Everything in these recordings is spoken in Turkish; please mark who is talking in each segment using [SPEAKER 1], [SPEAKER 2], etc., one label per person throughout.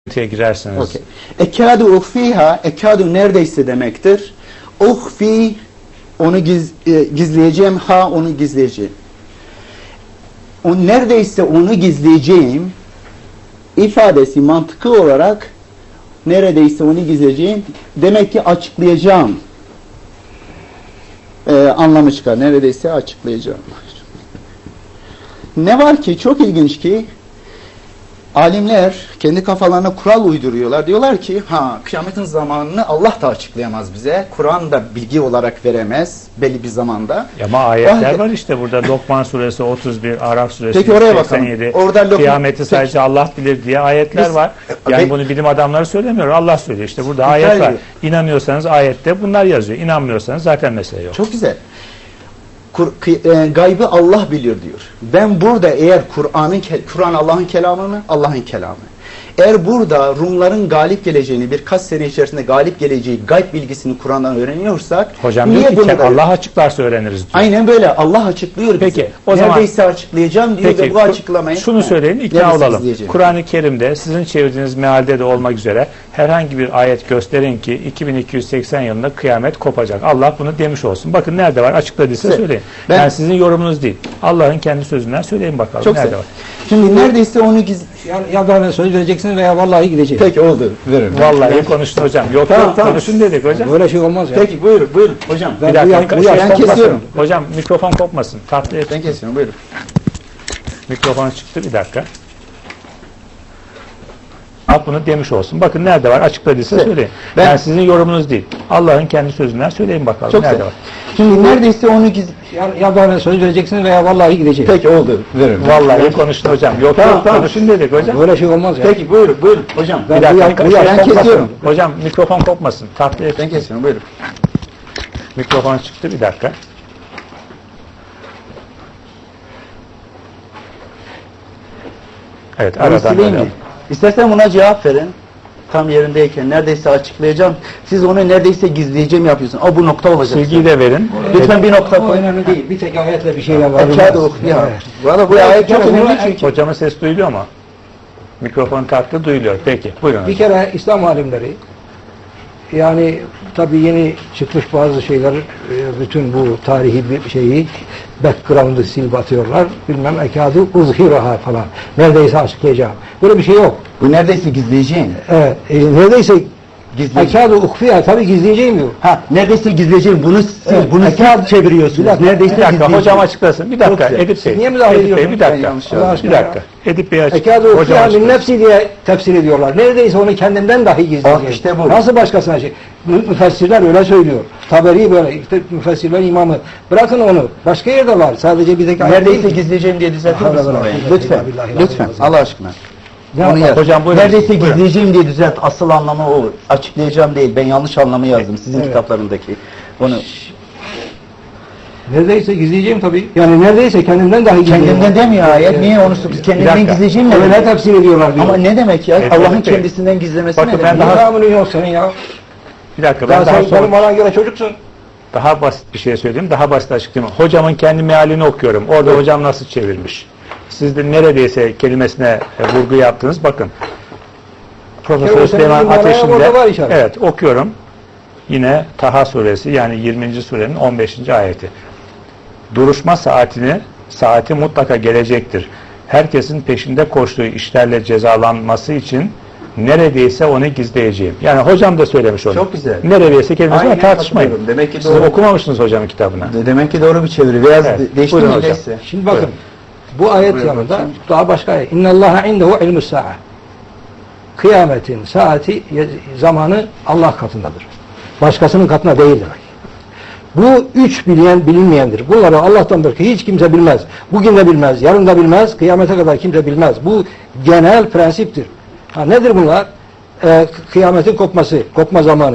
[SPEAKER 1] girersiniz.
[SPEAKER 2] Okay. Ekadu uhfiha, ekadu neredeyse demektir. Uhfi, onu gizleyeceğim, ha onu gizleyeceğim. O neredeyse onu gizleyeceğim ifadesi mantıklı olarak neredeyse onu gizleyeceğim demek ki açıklayacağım anlamı çıkar. Neredeyse açıklayacağım. Ne var ki çok ilginç ki alimler kendi kafalarına kural uyduruyorlar. Diyorlar ki kıyametin zamanını Allah da açıklayamaz bize. Kur'an da bilgi olarak veremez belli bir zamanda.
[SPEAKER 1] Ama ayetler var işte burada. Lokman suresi 31, Araf suresi
[SPEAKER 2] peki oraya
[SPEAKER 1] 87.
[SPEAKER 2] Orada
[SPEAKER 1] kıyameti sadece Allah bilir diye ayetler var. Yani bunu bilim adamları söylemiyor. Allah söylüyor. İşte burada ayet var. İnanıyorsanız ayette bunlar yazıyor. İnanmıyorsanız zaten mesele yok.
[SPEAKER 2] Çok güzel. Gaybı Allah biliyor diyor. Ben burada eğer Kur'an Allah'ın kelamı mı? Allah'ın kelamı. Eğer burada Rumların galip geleceğini, birkaç sene içerisinde galip geleceği gayb bilgisini Kur'an'dan öğreniyorsak,
[SPEAKER 1] hocam diyor ki Allah açıklarsa öğreniriz diyor.
[SPEAKER 2] Aynen böyle. Allah açıklıyor bize.
[SPEAKER 1] Peki, o zaman
[SPEAKER 2] neredeyse açıklayacağım diyor ve bu açıklamayı
[SPEAKER 1] şunu söyleyin, ikna olalım. Kur'an-ı Kerim'de sizin çevirdiğiniz mealde de olmak üzere herhangi bir ayet gösterin ki 2280 yılında kıyamet kopacak. Allah bunu demiş olsun. Bakın nerede var? Açıkladıysa söyleyin. Yani sizin yorumunuz değil. Allah'ın kendi sözünden söyleyin bakalım.
[SPEAKER 2] Çok
[SPEAKER 1] nerede var?
[SPEAKER 2] Şimdi neredeyse onu
[SPEAKER 3] ya bana söz vereceksin veya vallahi gideceğim.
[SPEAKER 2] Peki oldu. Verin.
[SPEAKER 1] Vallahi konuştun hocam. Yok tamam. Konuşun dedik hocam.
[SPEAKER 3] Böyle şey olmaz ya.
[SPEAKER 2] Peki buyurun hocam.
[SPEAKER 1] Bir dakika.
[SPEAKER 2] Ben kesiyorum.
[SPEAKER 1] Hocam mikrofon kopmasın.
[SPEAKER 2] Ben kesiyorum buyurun.
[SPEAKER 1] Mikrofon çıktı bir dakika. Bunu demiş olsun. Bakın nerede var? Açıkladıysa söyleyin. Yani sizin yorumunuz değil. Allah'ın kendi sözünden söyleyin bakalım.
[SPEAKER 2] Çok
[SPEAKER 1] nerede var?
[SPEAKER 2] Şimdi neredeyse onu
[SPEAKER 3] ya bana söz vereceksin veya vallahi gideceğim.
[SPEAKER 2] Peki oldu. Verin.
[SPEAKER 1] Vallahi konuştun hocam. Yok tamam. Konuşun dedik hocam.
[SPEAKER 3] Böyle şey olmaz ya.
[SPEAKER 2] Peki buyurun hocam.
[SPEAKER 1] Bir dakika.
[SPEAKER 2] Ben kesiyorum.
[SPEAKER 1] Hocam mikrofon kopmasın.
[SPEAKER 2] Ben kesiyorum buyurun.
[SPEAKER 1] Mikrofon çıktı bir dakika. Evet aradan böyle.
[SPEAKER 2] İstersen buna cevap verin. Tam yerindeyken neredeyse açıklayacağım. Siz onu neredeyse gizleyeceğim yapıyorsun. Bu nokta olacak.
[SPEAKER 1] Silgiyi de verin.
[SPEAKER 2] Lütfen bir nokta koy.
[SPEAKER 3] Önemli değil. Bir tek ayetle bir şeyler var.
[SPEAKER 2] Valla bu ayet çok önemli çünkü.
[SPEAKER 1] Hocamın ses duyuluyor mu? Mikrofon taktı duyuluyor. Peki buyurun.
[SPEAKER 3] Bir kere İslam alimleri yani tabii yeni çıkmış bazı şeyler bütün bu tarihi bir şeyi background'ı silip atıyorlar. Bilmem ekâdû uzhiraha falan. Neredeyse açıklayacağım. Böyle bir şey yok.
[SPEAKER 2] Bu neredeyse gizleyeceğim.
[SPEAKER 3] Evet. Neredeyse ekâdû uhfiha tabii gizleyeceğim diyor.
[SPEAKER 2] Neredeyse gizleyeceğim. Bunu siz çeviriyorsunuz. Neredeyse
[SPEAKER 1] bir dakika
[SPEAKER 2] gizleyeceğim.
[SPEAKER 1] Hocam açıklasın. Bir dakika Edip Bey.
[SPEAKER 3] Niye müdahale ediyorsun?
[SPEAKER 1] Bir dakika. Bir dakika. Edip Bey açıklasın.
[SPEAKER 3] Ekâdû uhfiha min nefsi diye tefsir ediyorlar. Neredeyse onu kendimden dahi gizleyeceğim.
[SPEAKER 2] İşte bu.
[SPEAKER 3] Nasıl başkasına şey? Müfessirler öyle söylüyor. Taberi böyle. İşte müfessirler imamı. Bırakın onu. Başka yerde var. Sadece bir tek
[SPEAKER 2] neredeyse gizleyeceğim diye düzeltir misin orayı? Lütfen. Allah aşkına.
[SPEAKER 1] Hocam buyurun.
[SPEAKER 2] Neredeyse gizleyeceğim diye düzelt. Asıl anlamı o. Açıklayacağım değil. Ben yanlış anlamı yazdım sizin kitaplarındaki. Onu.
[SPEAKER 3] Neredeyse gizleyeceğim tabii. Yani neredeyse kendimden dahi gizleyeceğim.
[SPEAKER 2] Kendimden demiyor ayet. Niye onu kendimden gizleyeceğim mi?
[SPEAKER 3] Öyle tefsir ediyorlar diyor.
[SPEAKER 2] Ama ne demek ya? Allah'ın kendisinden gizlemesi ne demek?
[SPEAKER 3] Daha mı yok senin ya?
[SPEAKER 1] Bir dakika.
[SPEAKER 3] Sen bana göre çocuksun.
[SPEAKER 1] Daha basit bir şey söyleyeyim. Daha basit açıklayayım. Hocamın kendi mealini okuyorum. Orada hocam nasıl çevirmiş? Siz de neredeyse kelimesine vurgu yaptınız. Bakın. Profesör Süleyman Ateş'inde evet okuyorum. Yine Taha suresi yani 20. surenin 15. ayeti. Duruşma saati mutlaka gelecektir. Herkesin peşinde koştuğu işlerle cezalanması için neredeyse onu gizleyeceğim. Yani hocam da söylemiş onu.
[SPEAKER 2] Çok güzel.
[SPEAKER 1] Neredeyse kelimesine tartışmayın.
[SPEAKER 2] Demek ki
[SPEAKER 1] siz okumamışsınız hocamın kitabına.
[SPEAKER 2] Demek ki doğru bir çeviri. Biraz değişti mi hocam?
[SPEAKER 3] Şimdi bakın. Bu ayet yanında daha başka ayet. İnnallâhe indehu ilmus sa'a. Kıyametin saati, zamanı Allah katındadır. Başkasının katında değildir. Bu üç bilinmeyendir. Bunları Allah'tandır ki hiç kimse bilmez. Bugün de bilmez, yarın da bilmez, kıyamete kadar kimse bilmez. Bu genel prensiptir. Nedir bunlar? Kıyametin kopma zamanı.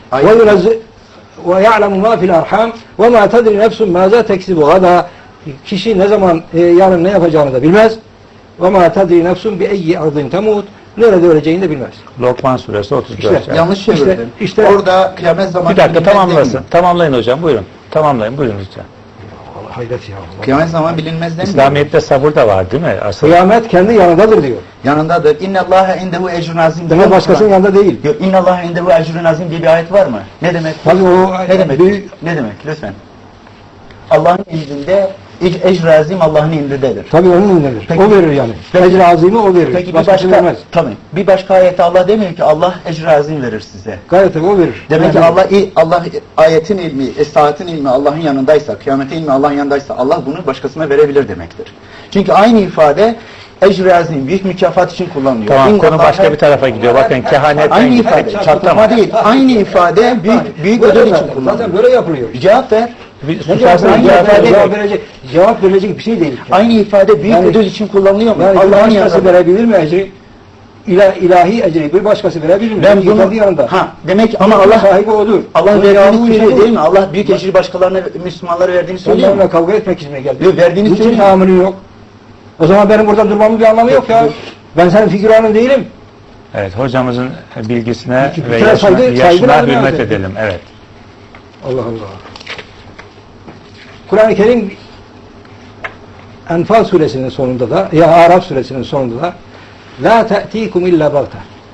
[SPEAKER 3] Ve ya'lemu ma fil arham ve ma tedri nefsun maza teksibu gada. Kişi ne zaman yarın ne yapacağını da bilmez. Ve ma tedri nefsun bi eyyi ardın temut. Nerede öleceğini de bilmez.
[SPEAKER 1] Lokman suresi 34.
[SPEAKER 2] Yanlış çevirdin. İşte orada kıyamet zamanı.
[SPEAKER 1] Bir dakika tamamlasın. Tamamlayın hocam. Buyurun. Tamamlayın. Buyurun lütfen.
[SPEAKER 3] hayret ya.
[SPEAKER 2] Kıyamet zaman bilinmez demiyor.
[SPEAKER 1] İslamiyet'te sabır da var değil mi? Asıl.
[SPEAKER 3] Kıyamet kendi yanındadır diyor.
[SPEAKER 2] Yanındadır. İnnallâhe indehu ecrun azim.
[SPEAKER 3] Demek başkasının yanında değil.
[SPEAKER 2] Yok, İnnallâhe indehu ecrun azim diye bir ayet var mı? Ne demek?
[SPEAKER 3] Tabii o
[SPEAKER 2] Ne demek?
[SPEAKER 3] büyük-
[SPEAKER 2] Ne demek? Lütfen. Allah'ın indinde ecr azim Allah'ın indindedir.
[SPEAKER 3] Tabii onun indedir.
[SPEAKER 2] Peki-
[SPEAKER 3] O verir yani.
[SPEAKER 2] Peki-
[SPEAKER 3] Ecr azimi o verir.
[SPEAKER 2] Peki bir
[SPEAKER 3] Başkası
[SPEAKER 2] başka
[SPEAKER 3] vermez.
[SPEAKER 2] tabii. Bir başka ayette Allah demiyor ki Allah ecr azim verir size.
[SPEAKER 3] Gayet tabii o verir.
[SPEAKER 2] Demek ki
[SPEAKER 3] Yani-
[SPEAKER 2] Allah ayetin ilmi, saatin ilmi Allah'ın yanındaysa, kıyametin ilmi Allah'ın yanındaysa Allah bunu başkasına verebilir demektir. Çünkü aynı ifade ecr azim, büyük mükafat için kullanılıyor.
[SPEAKER 1] Tamam,
[SPEAKER 2] İnna
[SPEAKER 1] konu
[SPEAKER 2] Allah'a-
[SPEAKER 1] başka bir tarafa gidiyor. Bakın kehanetten
[SPEAKER 2] Aynı
[SPEAKER 1] gittik,
[SPEAKER 2] ifade,
[SPEAKER 1] çatlama.
[SPEAKER 2] çatlama değil. Aynı ifade büyük
[SPEAKER 3] Böyle
[SPEAKER 2] ödül için
[SPEAKER 3] zaten
[SPEAKER 2] kullanılıyor.
[SPEAKER 3] böyle yapılıyor.
[SPEAKER 2] Cevap ver.
[SPEAKER 1] Bir
[SPEAKER 3] Ne
[SPEAKER 1] susarsanız
[SPEAKER 3] cevap
[SPEAKER 1] cevap
[SPEAKER 3] verecek?
[SPEAKER 1] verecek.
[SPEAKER 3] Cevap verecek bir şey değil.
[SPEAKER 2] Aynı ifade büyük
[SPEAKER 3] Yani-
[SPEAKER 2] ödül için kullanılıyor mu?
[SPEAKER 3] Yani
[SPEAKER 2] Allah'ın
[SPEAKER 3] bir başkası
[SPEAKER 2] yanında.
[SPEAKER 3] verebilir mi ecri? İlahi ecri bir başkası verebilir mi?
[SPEAKER 2] Ben
[SPEAKER 3] Çünkü
[SPEAKER 2] bunu
[SPEAKER 3] kendi yanında.
[SPEAKER 2] demek ama
[SPEAKER 3] Allah
[SPEAKER 2] Allah
[SPEAKER 3] sahibi odur.
[SPEAKER 2] Allah
[SPEAKER 3] Onun
[SPEAKER 2] verdiğini
[SPEAKER 3] yardımı
[SPEAKER 2] söylüyor
[SPEAKER 3] şey
[SPEAKER 2] değil mi? Allah büyük ecri başkalarına, Müslümanlara verdiğini söylüyor mu?
[SPEAKER 3] Onlarla kavga etmek için mi geldi?
[SPEAKER 2] Yok, verdiğini
[SPEAKER 3] Niçin
[SPEAKER 2] söylüyor.
[SPEAKER 3] tahammülün yok? O zaman benim burada durmamın bir anlamı yok ya. Ben senin figüranın değilim.
[SPEAKER 1] Evet, hocamızın bilgisine
[SPEAKER 3] Bir
[SPEAKER 1] ve
[SPEAKER 3] kere
[SPEAKER 1] yaşına
[SPEAKER 3] saygı lazım
[SPEAKER 1] hürmet
[SPEAKER 3] yani.
[SPEAKER 1] edelim. Evet.
[SPEAKER 3] Allah Allah. Kur'an-ı Kerim Enfal suresinin sonunda da ya Araf suresinin sonunda da la te'tikum illa bagta.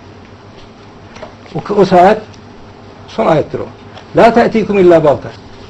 [SPEAKER 3] O saat son ayettir o. La te'tikum illa bagta.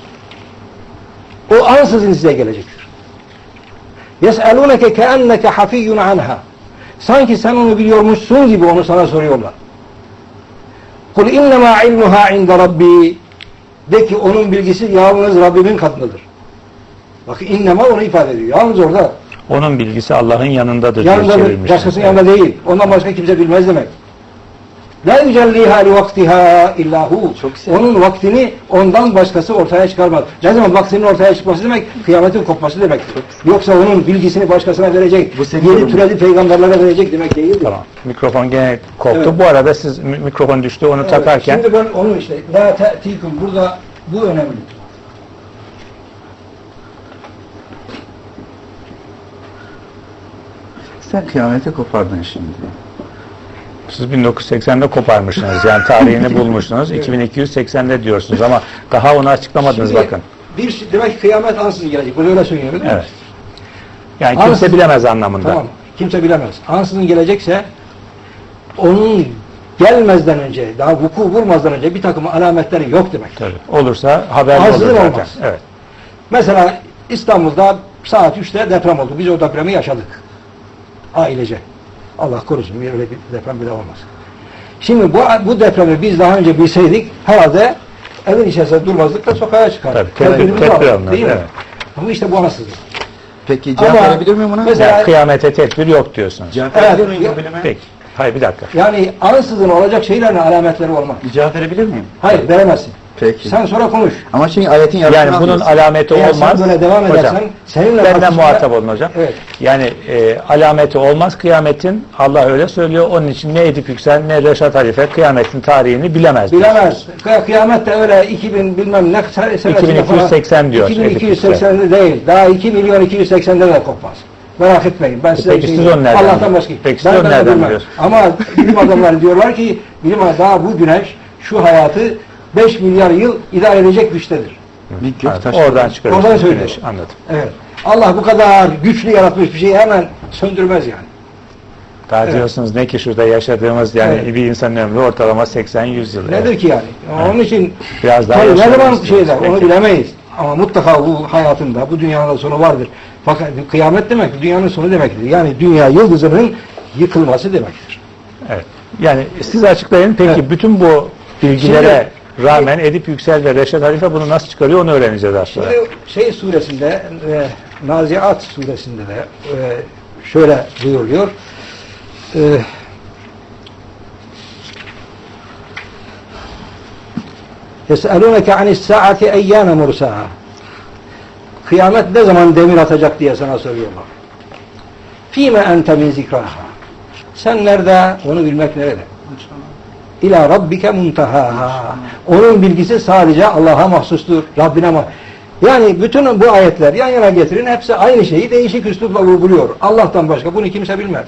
[SPEAKER 3] O ansızın size gelecektir. Yes'aluneke keenneke hafiyyun anha. Sanki sen onu biliyormuşsun gibi onu sana soruyorlar. Kul innema ilmuha inde rabbi. De ki onun bilgisi yalnız Rabbimin katındadır. Bak innema onu ifade ediyor. Yalnız orada.
[SPEAKER 1] Onun bilgisi Allah'ın yanındadır diye
[SPEAKER 3] Yanında
[SPEAKER 1] çevirmişler.
[SPEAKER 3] başkasının yanında değil. Ondan başka kimse bilmez demek. La yücelliha li vaktiha illahu.
[SPEAKER 2] Çok güzel.
[SPEAKER 3] Onun vaktini ondan başkası ortaya çıkarmaz. Ne zaman vaktinin ortaya çıkması demek? Kıyametin kopması demektir. Yoksa onun bilgisini başkasına verecek,
[SPEAKER 2] Bu senin
[SPEAKER 3] yeni
[SPEAKER 2] yorumun.
[SPEAKER 3] türedi peygamberlere verecek demek değildir.
[SPEAKER 1] Tamam. Mikrofon gene koptu.
[SPEAKER 3] Evet.
[SPEAKER 1] Bu arada siz mikrofon düştü onu
[SPEAKER 3] Evet,
[SPEAKER 1] takarken
[SPEAKER 3] şimdi ben onu işte la te'tikum burada bu önemli.
[SPEAKER 2] Sen kıyameti kopardın şimdi.
[SPEAKER 1] siz 1980'de koparmışsınız. Yani tarihini bulmuşsunuz. 2280'de diyorsunuz ama daha onu açıklamadınız
[SPEAKER 3] Şimdi
[SPEAKER 1] bakın.
[SPEAKER 3] demek ki kıyamet ansızın gelecek. Bunu öyle söylüyor değil mi?
[SPEAKER 1] Evet. Yani kimse
[SPEAKER 3] Ansızın-
[SPEAKER 1] bilemez anlamında.
[SPEAKER 3] Tamam. Kimse bilemez. Ansızın gelecekse onun gelmezden önce, daha vuku vurmazdan önce bir takım alametleri yok demek.
[SPEAKER 1] Tabii. Olursa haber olur
[SPEAKER 3] Ansızın
[SPEAKER 1] zaten.
[SPEAKER 3] olmaz.
[SPEAKER 1] Evet.
[SPEAKER 3] Mesela İstanbul'da saat 3'te deprem oldu. Biz o depremi yaşadık. Ailece. Allah korusun öyle bir deprem bile olmaz. Şimdi bu depremi biz daha önce bilseydik herhalde evin içerisinde durmazdık da sokağa çıkardık.
[SPEAKER 1] Tabii,
[SPEAKER 3] Tedbirimizi
[SPEAKER 1] tedbir
[SPEAKER 3] aldık,
[SPEAKER 1] alınır,
[SPEAKER 3] değil mi?
[SPEAKER 1] evet.
[SPEAKER 3] Ama işte bu ansızlık.
[SPEAKER 2] Peki cevap
[SPEAKER 3] Ama
[SPEAKER 2] verebilir miyim buna?
[SPEAKER 3] mesela-
[SPEAKER 1] Yani kıyamete tedbir yok diyorsunuz.
[SPEAKER 2] Cevap
[SPEAKER 3] Evet,
[SPEAKER 2] verebilir miyim
[SPEAKER 3] yok.
[SPEAKER 2] bu bilime?
[SPEAKER 1] Peki. Hayır bir dakika.
[SPEAKER 3] Yani ansızın olacak şeylerin alametleri olmaz.
[SPEAKER 2] Cevap verebilir miyim?
[SPEAKER 3] Hayır veremezsin.
[SPEAKER 2] Peki.
[SPEAKER 3] Sen sonra konuş.
[SPEAKER 2] Ama şimdi ayetin yarısını
[SPEAKER 1] Yani bunun
[SPEAKER 2] almıyorsun.
[SPEAKER 1] alameti
[SPEAKER 3] Eğer
[SPEAKER 1] olmaz.
[SPEAKER 3] sen böyle devam
[SPEAKER 1] Hocam,
[SPEAKER 3] edersen seninle
[SPEAKER 1] benden
[SPEAKER 3] tartışmaya-
[SPEAKER 1] muhatap olun hocam.
[SPEAKER 3] Evet.
[SPEAKER 1] Yani alameti olmaz kıyametin. Allah öyle söylüyor. Onun için ne Edip Yüksel ne Reşat Halife kıyametin tarihini bilemez.
[SPEAKER 3] Bilemez. Kıyamet de öyle 2000 bilmem ne senesinde
[SPEAKER 1] 2280 diyor.
[SPEAKER 3] 2280'de değil. Daha 2.280'de de kopmaz. Merak etmeyin. Ben size
[SPEAKER 1] Peki
[SPEAKER 3] bir şey
[SPEAKER 1] siz
[SPEAKER 3] diyeyim.
[SPEAKER 1] onu nereden
[SPEAKER 3] Allah'tan
[SPEAKER 1] biliyorsunuz?
[SPEAKER 3] başka.
[SPEAKER 1] Peki siz
[SPEAKER 3] Ben
[SPEAKER 1] onu
[SPEAKER 3] de
[SPEAKER 1] nereden
[SPEAKER 3] bilmem.
[SPEAKER 1] biliyorsunuz?
[SPEAKER 3] Ama bilim adamları diyorlar ki daha bu güneş şu hayatı 5 milyar yıl idare edecek güçtedir.
[SPEAKER 2] Bir
[SPEAKER 1] Evet,
[SPEAKER 2] gök taşı.
[SPEAKER 1] oradan çıkarıyorsunuz.
[SPEAKER 3] Oradan söylüyor.
[SPEAKER 1] Güneş, anladım.
[SPEAKER 3] Evet. Allah bu kadar güçlü yaratmış bir şeyi hemen söndürmez yani.
[SPEAKER 1] Daha
[SPEAKER 3] Evet.
[SPEAKER 1] diyorsunuz ne ki şurada yaşadığımız yani
[SPEAKER 3] Evet.
[SPEAKER 1] bir insanın ömrü ortalama 80-100 yıl.
[SPEAKER 3] Nedir
[SPEAKER 1] Evet.
[SPEAKER 3] ki yani? Onun için
[SPEAKER 1] Biraz daha
[SPEAKER 3] tabii ne
[SPEAKER 1] yaşamak
[SPEAKER 3] zaman
[SPEAKER 1] istiyoruz.
[SPEAKER 3] şeyler onu
[SPEAKER 1] Peki.
[SPEAKER 3] bilemeyiz. Ama mutlaka bu hayatında, bu dünyanın sonu vardır. Fakat kıyamet demek dünyanın sonu demektir. Yani dünya yıldızının yıkılması demektir.
[SPEAKER 1] Evet. Yani siz açıklayın. Peki
[SPEAKER 3] Evet.
[SPEAKER 1] bütün bu bilgilere rağmen Edip Yüksel ve Reşat Halife bunu nasıl çıkarıyor onu öğreneceğiz aslında.
[SPEAKER 3] Şimdi suresinde Naziat suresinde de şöyle buyuruyor. يَسْأَلُونَكَ عَنِ السَّاعَةِ اَيَّانَ مُرْسَاهَا Kıyamet ne zaman demir atacak diye sana soruyorlar. فِيمَ اَنْتَ مِنْ ذِكْرَهَا Sen nerede? Onu bilmek nerede? İlâ rabbike muntahâhâ. Onun bilgisi sadece Allah'a mahsustur. Rabbine Yani bütün bu ayetler yan yana getirin. Hepsi aynı şeyi değişik üslupla vurguluyor. Allah'tan başka bunu kimse bilmez.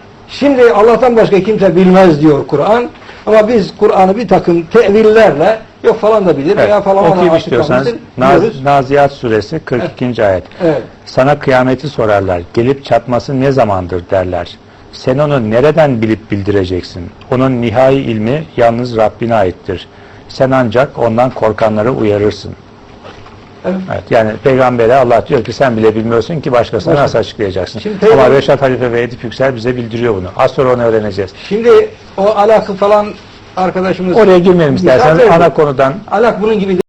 [SPEAKER 3] Şimdi Allah'tan başka kimse bilmez diyor Kur'an. Ama biz Kur'an'ı bir takım tevillerle Yok falan da bilir veya falan ona
[SPEAKER 1] okuyup istiyorsanız
[SPEAKER 3] açıklamıştır. Diyoruz.
[SPEAKER 1] Naziat suresi 42. ayet.
[SPEAKER 3] Evet.
[SPEAKER 1] Sana kıyameti sorarlar. Gelip çatması ne zamandır derler. Sen onu nereden bilip bildireceksin? Onun nihai ilmi yalnız Rabbine aittir. Sen ancak ondan korkanları uyarırsın.
[SPEAKER 3] Evet.
[SPEAKER 1] Evet, yani peygambere Allah diyor ki sen bile bilmiyorsun ki başkasına nasıl açıklayacaksın?
[SPEAKER 3] Şimdi
[SPEAKER 1] Ama
[SPEAKER 3] peygamber-
[SPEAKER 1] Reşat Halife ve Edip Yüksel bize bildiriyor bunu. Az sonra onu öğreneceğiz.
[SPEAKER 3] Şimdi o alakı falan arkadaşımız
[SPEAKER 1] Oraya girmeyelim isterseniz
[SPEAKER 3] Misal
[SPEAKER 1] ana konudan.
[SPEAKER 3] alak bunun gibi